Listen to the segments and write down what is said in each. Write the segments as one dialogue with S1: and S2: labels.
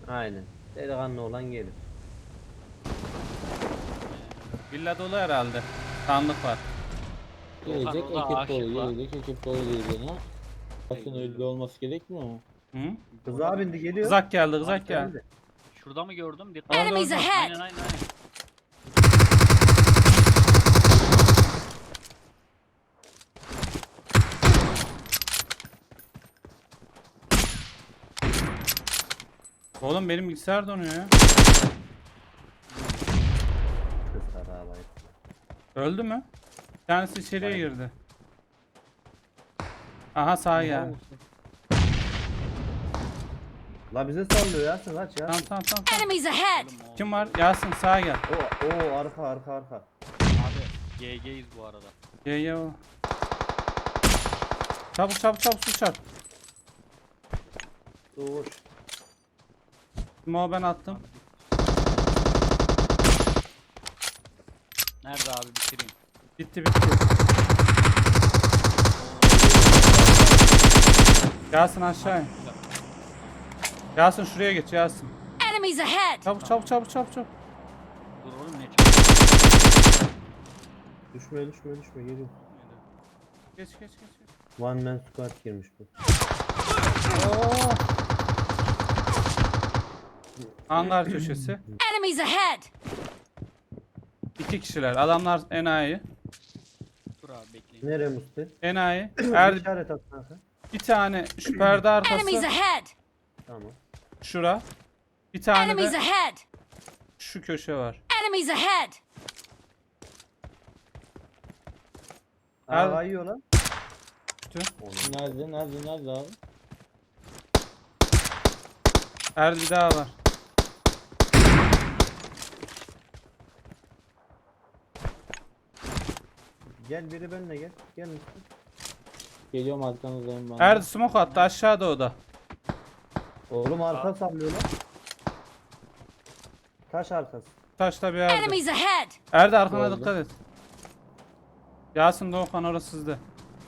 S1: Aynen. Delikanlı olan gelir.
S2: Villa dolu herhalde. Sandık var.
S3: Gelecek
S4: orada
S3: ekip
S4: aşık
S3: dolu,
S4: var.
S3: gelecek ekip dolu diyeceğine. Bakın öyle olması gerekmiyor mu?
S2: Hı?
S1: Kıza bindi geliyor.
S2: Kızak geldi, kızak geldi.
S1: Geldi.
S4: Şurada mı gördüm? Dikkat.
S2: Orada,
S5: Enemies
S2: orada.
S5: ahead!
S4: Aynen aynen aynen.
S2: Oğlum benim bilgisayar donuyor ya.
S1: Kızlar ağlayıp.
S2: Öldü mü? Bir tanesi içeriye girdi. Aha sağa geldi.
S1: La bize sallıyor Yasin kaç ya.
S2: Tamam tamam tamam. Tamam.
S5: Enemies ahead!
S4: Oğlum, o-
S2: Kim var? Yasin sağa gel.
S1: Oo arka.
S4: Abi GG'yiz bu arada.
S2: Ye o. Çabuk çabuk çabuk su çarp.
S1: Dur.
S2: Mo ben attım.
S4: Nerede abi bitireyim.
S2: Bitti bitti. Yasin aşağı in. Yasin şuraya geç Yasin.
S5: Enemies ahead!
S2: Çabuk çabuk çabuk çabuk çabuk.
S4: Dur oğlum ne çıktı?
S1: Düşme geliyor.
S2: Geç geç geç.
S1: One man squad girmiş bu.
S2: Oo. Hangar köşesi.
S5: Enemies ahead!
S2: 2 kişiler. Adamlar enayi.
S4: Dur abi bekleyin.
S1: Nereye Musti?
S2: Enayi.
S1: Bir işaret at kanka.
S2: Bir tane şu perde
S5: Enemies
S2: arkası.
S5: ahead!
S1: Tamam.
S2: Şura. Bir tane
S5: Enemies
S2: de
S5: ahead!
S2: şu köşe var.
S5: Enemies ahead!
S2: Abi.
S1: Aa yiyor lan.
S3: Nerede abi?
S2: Her bir daha var.
S1: Gel biri benimle gel. Gel Musti.
S3: Geliyorum arkanızdayım ben.
S2: Erdi smoke attı aşağıda o da.
S1: Oğlum arka sallıyor lan. Taş arkası.
S2: Taşta bir yerde.
S5: Enemies ahead!
S2: Erdi arkana
S3: Gördüm.
S2: dikkat et. Yasin Doğukan orası sizde.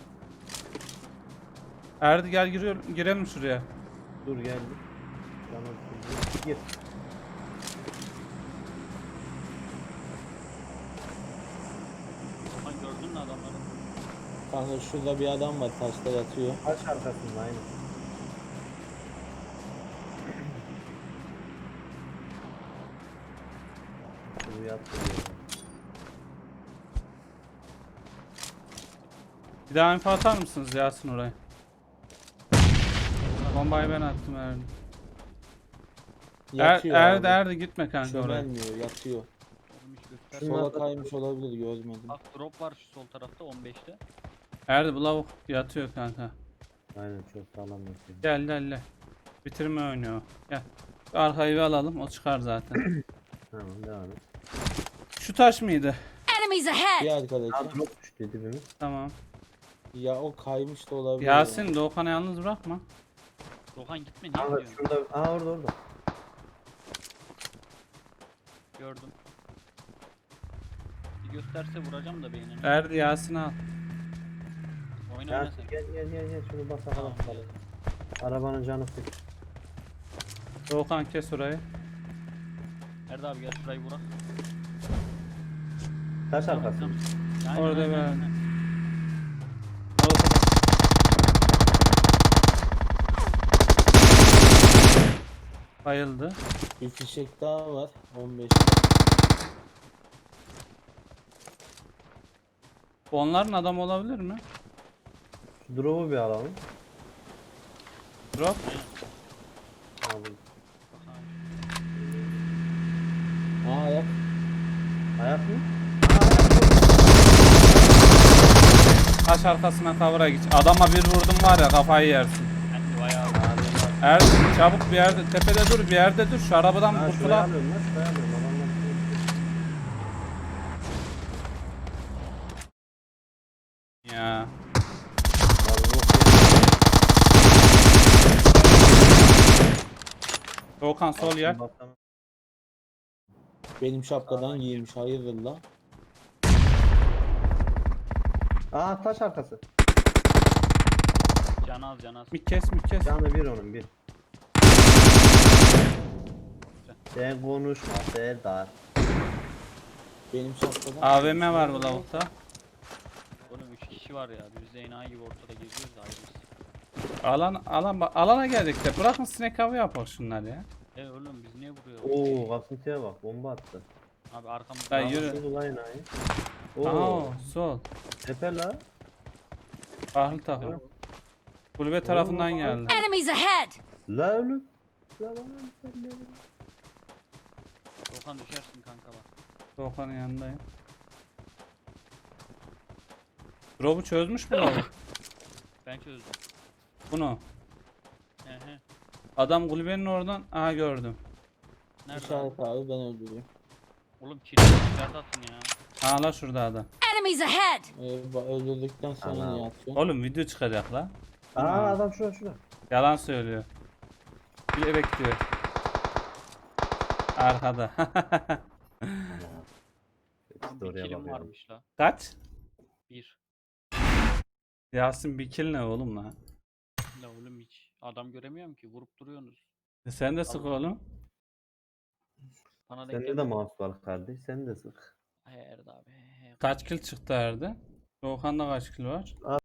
S2: Erdi gel girelim şuraya.
S1: Dur geldi. Canım sıkıldı. Gir.
S4: Okan gördün mü adamları?
S3: Kanka şurada bir adam var taşta yatıyor.
S1: Taş arkasında aynı. Şunu yattı.
S2: Bir daha info atar mısınız Yasin oraya? Bombayı ben attım Erdi.
S3: Yatıyor
S2: Erdi
S3: abi.
S2: Erdi gitme kanka oraya.
S3: Çömelmiyor, yatıyor.
S4: Oğlum hiç göster.
S1: Şunlar-
S3: Sola kaymış olabilir, görmedim.
S4: Bak drop var şu sol tarafta 15'te.
S2: Erdi bu lavuk yatıyor kanka.
S1: Aynen çok sağlam yapıyor.
S2: Gel. Bitirme oynuyor o. Gel. Şu arkayı bir alalım o çıkar zaten.
S1: Tamam devam et.
S2: Şu taş mıydı?
S5: Enemies
S3: Bir
S5: ahead!
S3: arkadaşı.
S1: Aa drop düştü dibimiz.
S2: Tamam.
S3: Ya o kaymış da olabilir.
S2: Yasin Doğukan'ı yalnız bırakma.
S4: Okan gitme niye
S1: Kanka
S4: gidiyorsun?
S1: şurada. Aa orada.
S4: Gördüm. Bir gösterse vuracağım da beynini.
S2: Erdi Yasin'i al.
S4: Oyna
S1: Ya
S4: oyna sen.
S1: gel şunu bas
S4: Tamam,
S1: bakalım. Arabanın canı sık.
S2: Doğukan kes orayı.
S4: Nerede abi gel şurayı vurak.
S1: Taş arkası.
S4: Aynen,
S2: Orada
S4: aynen,
S2: ben-
S4: aynen.
S2: Doğukan. Bayıldı.
S3: Bir fişek daha var. 15.
S2: Bu onların adamı olabilir mi?
S1: Şu drop'u bir alalım.
S2: Drop.
S1: Aldım.
S3: Aa ayak.
S1: Ayak mı?
S2: Taş arkasına kavura git. Adama bir vurdum var ya kafayı yersin.
S4: Ben de bayağı
S2: Erdi çabuk bir yerde tepede dur bir yerde dur şu arabadan
S1: Ha şuraya
S2: kurtulalım.
S1: alıyorum lan şuraya alıyorum. Adamlar
S2: Ya.
S1: Abi yok
S2: Doğukan sol yer.
S1: ya.
S3: Benim şapkadan giymiş, hayırdır la.
S1: Aa taş arkası.
S4: can az can az.
S2: Bir kes.
S1: Canı bir onun bir. Sen konuşma Serdar.
S3: Benim şapkadan.
S2: AVM var bu lavukta.
S4: Oğlum 3 kişi var ya. Biz de enayi gibi ortada geziyoruz da ayrıyız.
S2: Alana geldik de bırakın sinek avı yapalım şunlar ya.
S4: Oğlum biz niye vuruyoruz?
S1: Oo kasıntıya bak bomba attı.
S4: Abi arkamızda.
S2: Ben yürü.
S1: Nasıl ulan enayi?
S2: Aha
S1: Oo.
S2: sol.
S1: Tepe la.
S2: Ahlı takım. Kulübe tarafından geldi.
S5: Enemies ahead!
S1: La ölüm. La lan sen ne?
S4: Dokan düşersin kanka bak.
S2: Doğukan'ın yanındayım. Drop'u çözmüş mü lavuk?
S4: Ben çözdüm.
S2: Bunu.
S4: He.
S2: Adam kulübenin oradan. Aha gördüm.
S4: Nerede abi?
S3: İşaret abi ben öldüreyim.
S4: Oğlum kilitli işaret atın ya.
S2: Aha la şurada adam.
S5: Enemies ahead!
S3: Öldürdükten sonra
S1: Ana.
S3: niye atıyorsun?
S2: Oğlum video çıkacak la.
S1: Aa adam şurada.
S2: Yalan söylüyor. Bilerek diyor. Arkada.
S4: Oğlum bir
S1: Oraya
S4: kilim
S1: bakıyorum.
S4: varmış la.
S2: Kaç?
S4: 1.
S2: Yasin bir kill ne oğlum la?
S4: La oğlum hiç. Adam göremiyorum ki. Vurup duruyorsunuz.
S2: Sen de sık oğlum.
S4: Bana denk
S1: Sende de
S4: gelmedi.
S1: mouse var kardeş. Sen de sık.
S4: He Erdi abi. He.
S2: Kaç kill çıktı Erdi? Doğukan'da kaç kill var?